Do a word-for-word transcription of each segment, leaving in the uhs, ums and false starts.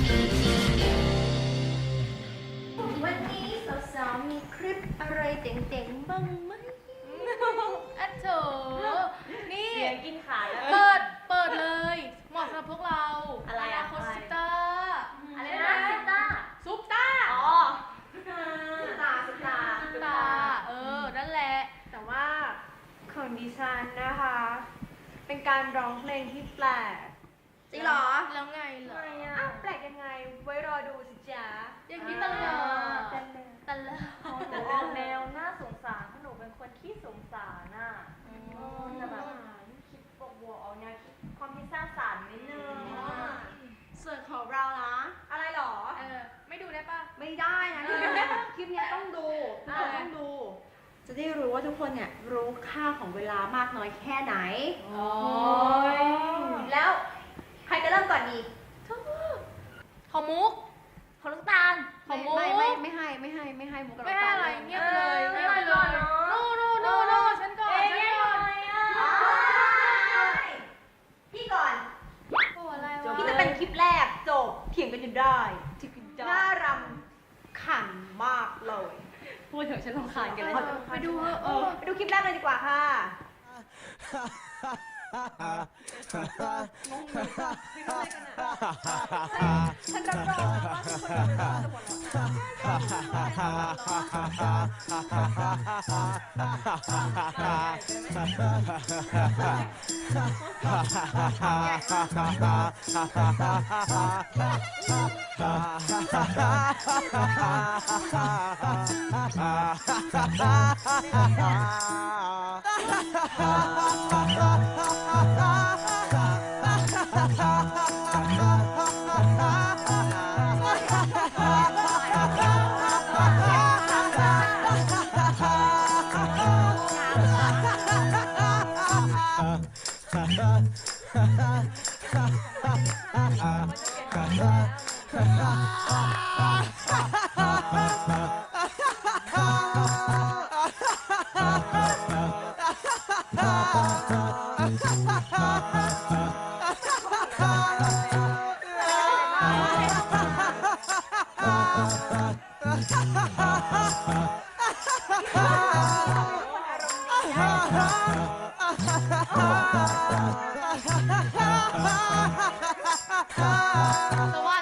วันนี้สาวๆมีคลิปอะไรเจ๋งๆบ้างไหมอ่ะโถนี่เสียงกินขาแล้วเปิด เปิดเลย เหมาะสำหรับพวกเราอะไรอะโคสตาอะไรนะซิต้าซุปตาอ๋อซุปตาซุปตาซุปตา เออ นั่นแหละแต่ว่าของดิฉันนะคะ เป็นการร้องเพลงที่แปลกจริงเหรอ แล้วไงเหรออ้าวแปลกยังไง ไว้รอดูสิจ๊ะอย่างนี้ตลอดตลอดแต่ออกแนวน่าสงสารเพราะหนูเป็นคนขี้สงสารน่ะจะแบบคิดบวกบวกๆออกแนวคิดความคิดสร้างสรรค์นิดนึงส่วนของเรานะ อะไรหรอเออ ไม่ดูได้ปะไม่ได้นะคลิปเนี้ยคลิปเนี้ยต้องดูทุกคนต้องดู จะได้รู้ว่าทุกคนเนี่ยรู้ค่าของเวลามากน้อยแค่ไหนโอ้ยแล้วใครจะเริ่มก่อนดีของมุกของลูกตาลของมุกไม่ไม่ไม่ให้ไม่ให้ไม่ให้มุกกับไม่ให้อะไร เงียบไปเลยเออเงียบไปเลไม่ยให้ก่อนเนอะโนโนโนโนฉันก่อนเอ๊ะฉันยังก่อนไงอ่ะพี่ก่อนโอ้อะไรวะพี่จะเป็นคลิปแรกจบเถียงกันอยู่ได้น่ารำขันมากเลยพูดเถอะฉันรำคาญกันเลยไปดูเถอะเออไปดูคลิปแรกเลยดีกว่าค่ะงงเลยค่ะไม่รู้อะไรกันอ่ะฉันรับรองนะว่าทุกคนจะหัวสวัส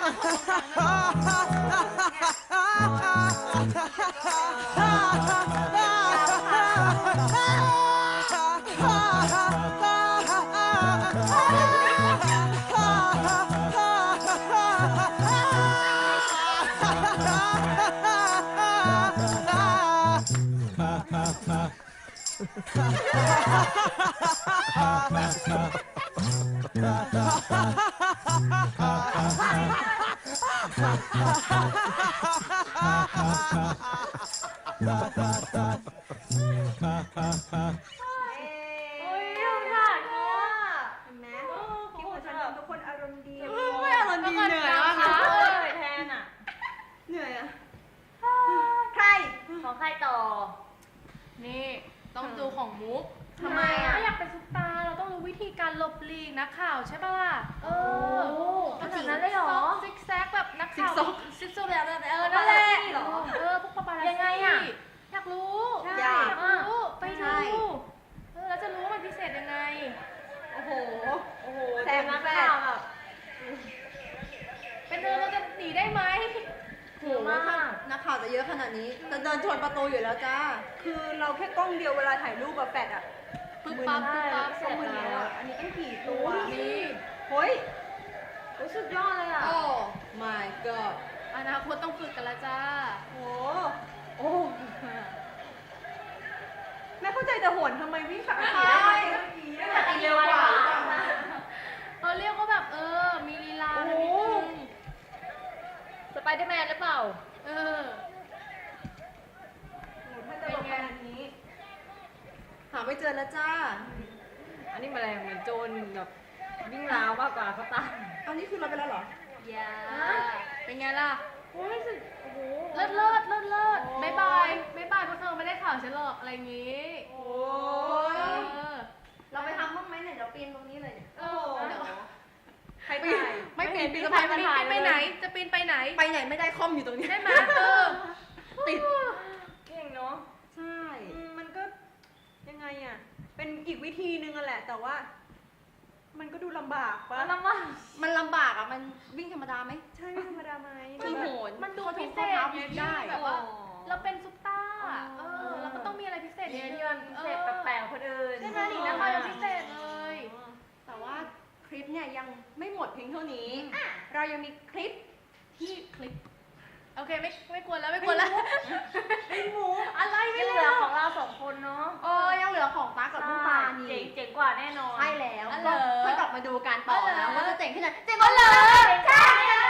โอ้ยเราถ่ายเนาะเห็นไหมคลิปของฉันทำทุกคนอารมณ์ดีไม่อารมณ์ดีเหนื่อยมากขานะเลยแทนอ่ะเหนื่อยอ่ะใครของใครต่อนี่ต้องดูของมุกทำไมอ่ะถ้าอยากเป็นซุปตาร์เราต้องรู้วิธีการหลบหลีกนักข่าวใช่ปะล่ะ เออขนาดนั้นเลยเหรอซิกแซกแบบนักข่าวซิกซอกซิกซอกแบบเออนั่นแหละปาปารัสซี่เหรอเออพวกปาปารัสซี่ยังไงอะอยากรู้อยากอยากรู้ไปใช่ดูเออแล้วจะรู้ว่ามันพิเศษยังไงโอ้โหโอ้โหแซมนักแซมข่าวแบบเป็นเธอเราจะหนีได้ไหมโหมากนักข่าวจะเยอะขนาดนี้จะเดินชนประตูอยู่แล้วจ้า คือเราแค่กล้องเดียวเวลาถ่ายรูปแบบแฟดอ่ะปึ๊บปั๊บปึ๊บปั๊บต้องมือแล้วอ่ะ อันนี้ต้องกี่ตัวนี่เฮ้ยรู้สึกยอดเลยอ่ะโอ้ my god อนาคตต้องฝึกกันแล้วจ้าโอ้โอ้แม่เข้าใจแต่โหนทำไมวิ่งขาขี่ได้ไหมแต่ตีเร็วกว่าเราเรียกว่าแบบเออ มีลีลาโอ้นิดโหนึงสไปเดอร์แมนหรือเปล่าเออถ้าจะบอกขนาดนี้ หาไม่เจอแล้วจ้าอันนี้แมลงเหมือนโจรแบบวิ่งราวมากกว่าเขาตามเอานี่คือเราไปแล้วเหรออย่า เป็นไงล่ะโอ้ยรู้สึกโอ้โหเลิศเลิศเลิศเลิศโอ้บายบายบายบายพวกเธอไม่ได้ข่าวฉันหรอกอะไรอย่างงี้โอ้เอย อเราไปทำบ้างไหมเนี่ยเดี๋ยวปีนตรงนี้เลยเออเดี๋ยวใครถ่ายไม่เปลี่ยนปีนจะสะพานปีนมาถ่ายไปไหน จะปีนไปไหนไปไหนไม่ได้คอมอยู่ตรงนี้ได้ไหมเออติดเก่งเนาะใช่อืมมันก็ยังไงอ่ะ เป็นอีกวิธีนึงอะแหละ แต่ว่า มันก็ดูลำบากปะแล้วลำบากมันลำบากอ่ะ มันวิ่งธรรมดาไหมใช่ไม่ธรรมดาไหมมันโหนมันดูข้อพิงเศข้อษเท้าไงวิ่งพี่ได้แบบว่า เราเป็นซุปตาร์อ๋อเออ เราก็ต้องมีอะไรพิเศษเรียนนิดที่มันพิเศษแปลกๆคนอื่นใช่ไหมหนิงนะคะยังพิเศษเลยแต่ว่าคลิปเนี่ยยังไม่หมดเพียงเท่านี้ เรายังมีคลิปที่คลิปโอเคไม่ไม่ควรแล้วไม่ควรแล้วไอ้หมูอะไรที่ไม่เหเหลืลืออของเราสองคนเนาะเออยังเหลือของตากับลูกตาเจ๋นี่งเจ๋งกว่าแน่นอนใช่แล้วอ๋อเหรก็อค่อยกลับมาดูกันต่ออ๋อเหรนะอว่าจะเจ๋งขนาดเจ๋งอ๋อเหรอใช่